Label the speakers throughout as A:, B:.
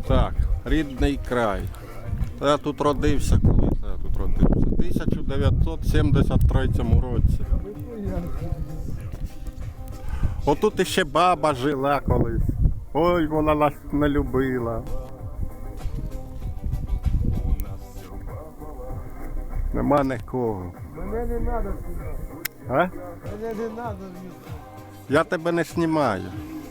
A: Так, рідний край. Я тут родився, коли я тут родився. У 1973 році. Отут іще баба жила колись. Ой, вона нас не любила. Нема нікого.
B: Мене не треба знімати.
A: А?
B: Мене не треба знімати.
A: Я тебе не знімаю.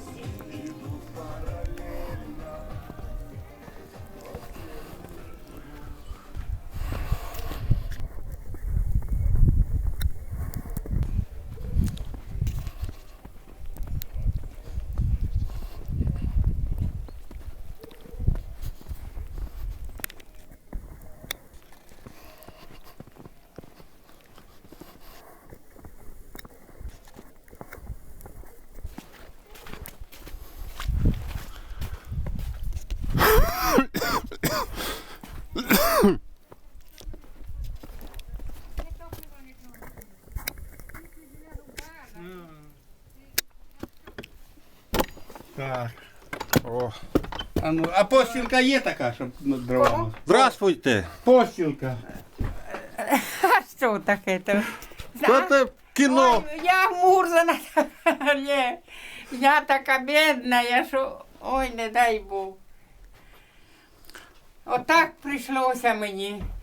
B: Так.
A: О.
B: А постілка є така, щоб над дровами?
A: Здравствуйте!
B: Постілка.
C: А що таке? То?
A: Що ти в кіно?
C: Ой, я мурзана. Ні, я така бідна, я що... Ой, не дай Бог. Отак прийшлося мені.